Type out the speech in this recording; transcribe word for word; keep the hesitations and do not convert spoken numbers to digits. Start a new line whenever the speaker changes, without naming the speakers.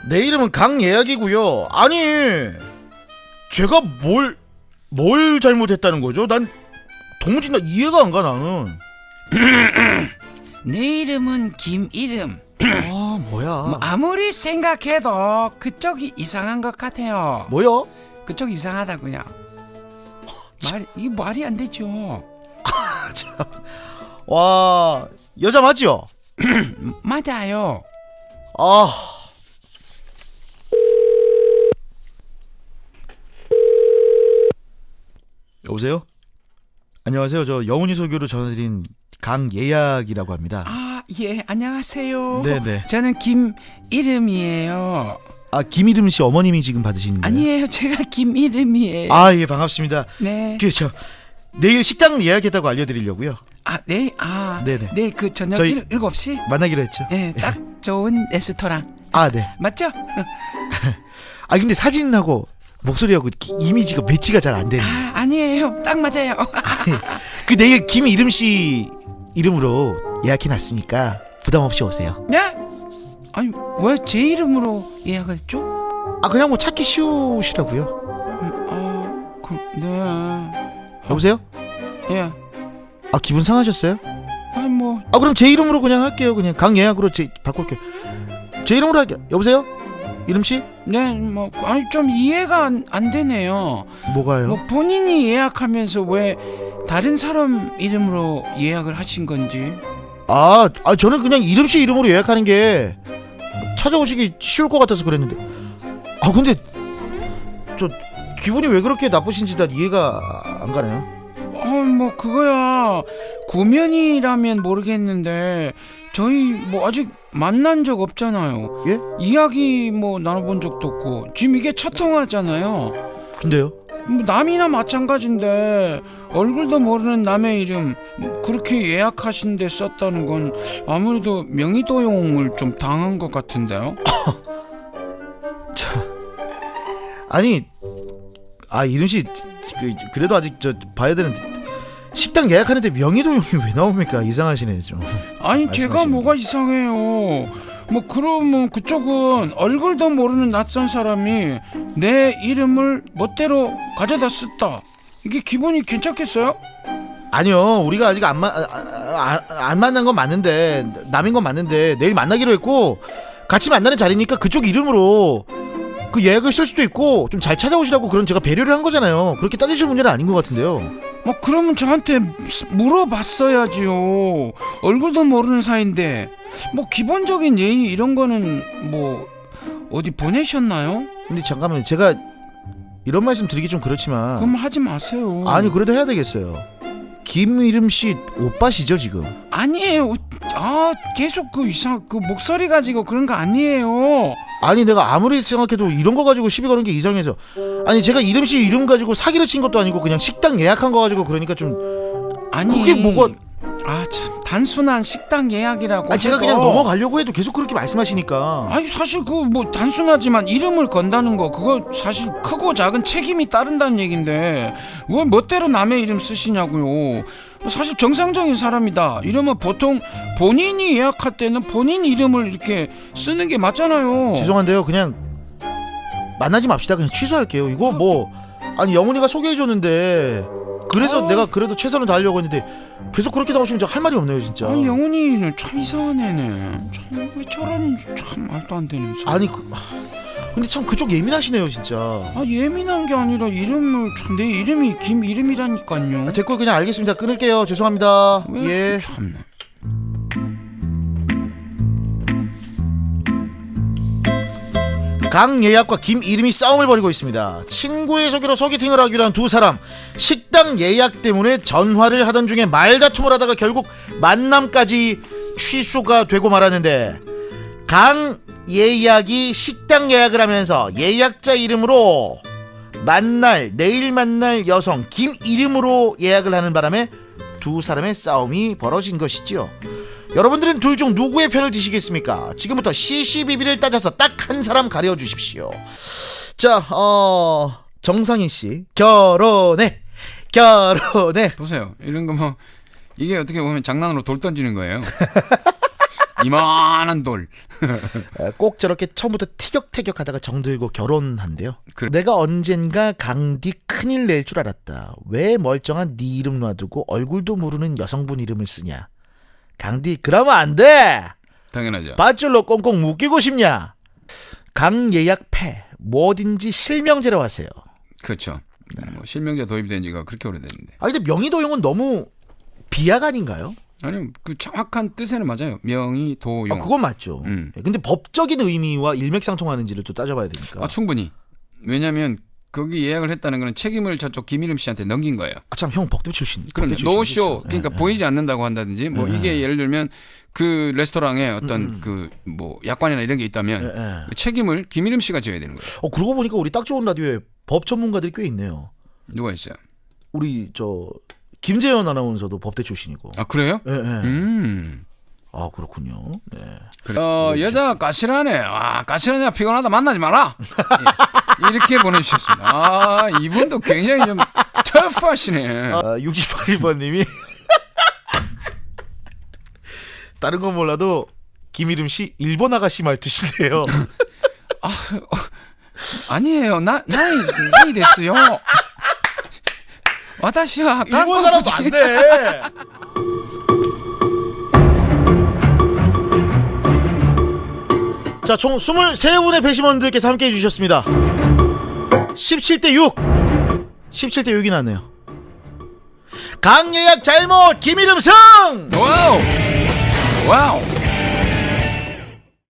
내 이름은 강예약이고요. 아니, 제가 뭘, 뭘 잘못했다는 거죠? 난 도무지 나 이해가 안 가, 나는.
내 이름은 김이름.
아, 뭐야.
뭐 아무리 생각해도 그쪽이 이상한 것 같아요.
뭐야?
그쪽 이상하다고요. 말, 이게 말이 안 되죠.
와, 여자 맞죠?
맞아요.
아. 여보세요? 안녕하세요. 저 영훈이 소개로 전화드린 강예약이라고 합니다.
아, 예, 안녕하세요.
네네.
저는 김이름이에요.
아, 김이름 씨 어머님이 지금 받으시는 거예요?
아니에요, 제가 김이름이에요.
아, 예, 반갑습니다.
네.
그 저 내일 식당 예약했다고 알려드리려고요.
아, 네, 아,
네네.
네, 그 저녁
저희-
일, 일곱 시?
만나기로 했죠.
네, 딱 좋은 레스토랑.
아, 네.
맞죠?
아, 근데 사진하고 목소리하고 기- 이미지가 매치가 잘 안 되네.
아, 아니에요. 딱 맞아요.
그 내일 김이름 씨 이름으로 예약해놨으니까 부담 없이 오세요.
네? 아니, 왜 제 이름으로 예약을 했죠?
아, 그냥 뭐 찾기 쉬우시라고요.
음, 아, 그, 네.
여보세요?
예.
아, 기분 상하셨어요?
아니, 뭐,
아, 그럼 제 이름으로 그냥 할게요. 그냥 강예약으로 제 바꿀게요. 제 이름으로 할게요. 여보세요? 이름 씨?
네, 뭐, 아니, 좀 이해가 안, 안 되네요.
뭐가요?
뭐, 본인이 예약하면서 왜 다른 사람 이름으로 예약을 하신 건지.
아, 아 저는 그냥 이름 씨 이름으로 예약하는 게 찾아오시기 쉬울 것 같아서 그랬는데. 아, 근데 저 기분이 왜 그렇게 나쁘신지 난 이해가 안 가네요.
어, 뭐, 그거야. 구면이라면 모르겠는데, 저희 뭐 아직 만난 적 없잖아요.
예?
이야기 뭐 나눠본 적도 없고, 지금 이게 첫 통화잖아요.
근데요?
뭐 남이나 마찬가지인데 얼굴도 모르는 남의 이름 뭐 그렇게 예약하신 데 썼다는 건 아무래도 명의도용을 좀 당한 것 같은데요.
아니, 아, 이름 씨 그, 그래도 아직 저 봐야 되는데 식당 예약하는데 명의도용이 왜 나옵니까? 이상하시네 좀.
아니 제가
말씀하시는
뭐가 이상해요. 뭐 그러면 그쪽은 얼굴도 모르는 낯선 사람이 내 이름을 멋대로 가져다 썼다. 이게 기분이 괜찮겠어요?
아니요, 우리가 아직 안, 마, 아, 아, 아, 안 만난 건 맞는데 남인 건 맞는데 내일 만나기로 했고 같이 만나는 자리니까 그쪽 이름으로 그 예약을 쓸 수도 있고 좀 잘 찾아오시라고 그런 제가 배려를 한 거잖아요. 그렇게 따지실 문제는 아닌 것 같은데요.
뭐 그러면 저한테 물어봤어야지요. 얼굴도 모르는 사이인데 뭐 기본적인 예의 이런 거는 뭐 어디 보내셨나요?
근데 잠깐만요, 제가 이런 말씀 드리기 좀 그렇지만
그럼 하지 마세요.
아니 그래도 해야 되겠어요. 김이름 씨 오빠시죠 지금?
아니에요. 아 계속 그 이상 그 목소리 가지고 그런 거 아니에요.
아니 내가 아무리 생각해도 이런 거 가지고 시비 거는 게 이상해서. 아니 제가 이름 씨 이름 가지고 사기를 친 것도 아니고 그냥 식당 예약한 거 가지고 그러니까 좀.
아니
그게 뭐가.
아 참 단순한 식당 예약이라고.
아니 제가
해도.
그냥 넘어가려고 해도 계속 그렇게 말씀하시니까.
아니 사실 그 뭐 단순하지만 이름을 건다는 거 그거 사실 크고 작은 책임이 따른다는 얘긴데 왜 멋대로 남의 이름 쓰시냐고요. 사실 정상적인 사람이다 이러면 보통 본인이 예약할 때는 본인 이름을 이렇게 쓰는 게 맞잖아요.
죄송한데요, 그냥 만나지 맙시다. 그냥 취소할게요. 이거 뭐 아니 영훈이가 소개해줬는데 그래서
아.
내가 그래도 최선을 다하려고 했는데 계속 그렇게 나오시면 제가 할 말이 없네요 진짜.
아니 영훈이는 참 이상한 애네. 참 왜 저런 참 말도 안 되는 소리.
아니 그, 근데 참 그쪽 예민하시네요 진짜.
아 예민한 게 아니라 이름을 참 내 이름이 김 이름이라니까요.
아, 됐고 그냥 알겠습니다. 끊을게요. 죄송합니다.
왜
예.
참네.
강예약과 김이름이 싸움을 벌이고 있습니다. 친구의 소개로 소개팅을 하기로 한 두 사람, 식당 예약 때문에 전화를 하던 중에 말다툼을 하다가 결국 만남까지 취소가 되고 말았는데, 강예약이 식당 예약을 하면서 예약자 이름으로 만날 내일 만날 여성 김이름으로 예약을 하는 바람에 두 사람의 싸움이 벌어진 것이지요. 여러분들은 둘 중 누구의 편을 드시겠습니까? 지금부터 시시비비를 따져서 딱 한 사람 가려주십시오. 자, 어... 정상희씨 결혼해 결혼해.
보세요. 이런 거 뭐 이게 어떻게 보면 장난으로 돌 던지는 거예요. 이만한 돌.
에, 꼭 저렇게 처음부터 티격태격하다가 정들고 결혼한대요.
그래.
내가 언젠가 강디 큰일 낼 줄 알았다. 왜 멀쩡한 네 이름 놔두고 얼굴도 모르는 여성분 이름을 쓰냐. 강디 그러면 안 돼.
당연하죠.
밧줄로 꽁꽁 묶이고 싶냐. 강예약 패 뭐든지 실명제로 하세요.
그렇죠. 뭐 실명제 도입된 지가 그렇게 오래됐는데.
아 근데 명의도용은 너무 비약 아닌가요?
아니 그 정확한 뜻에는 맞아요. 명의 도용.
아, 그건 맞죠.
음.
근데 법적인 의미와 일맥상통하는지를 또 따져봐야 되니까.
아 충분히. 왜냐하면 거기 예약을 했다는 거는 책임을 저쪽 김이름 씨한테 넘긴 거예요.
아 참 형 법대 출신.
그럼
법대 출신이시죠?
노쇼 그러니까
예,
보이지 않는다고 한다든지 뭐
예.
이게 예를 들면 그 레스토랑에 어떤
음.
그 뭐 약관이나 이런 게 있다면
예, 예.
그 책임을 김이름 씨가 져야 되는 거예요.
어 그러고 보니까 우리 딱 좋은 라디오에 법 전문가들이 꽤 있네요.
누가 있어요?
우리 저 김재현 아나운서도 법대 출신이고.
아 그래요?
예, 예.
음.
아 그렇군요. 네.
그래. 어 여자 까칠하네. 아 까칠하냐 피곤하다 만나지 마라. 예. 이렇게 보내주셨습니다. 아 이분도 굉장히 좀 터프하시네.
아, 육십팔 번님이 다른 건 몰라도 김이름 씨 일본 아가씨 말투시네요.
아니에요. 나 나이 나이 됐어요. 와다시와
일본 사람도 안 돼. 자, 총 이십삼 분의 배심원들께서 함께 해주셨습니다. 십칠 대 육. 십칠 대 육이 났네요. 강예약 잘못 김이름 승!
와우 와우.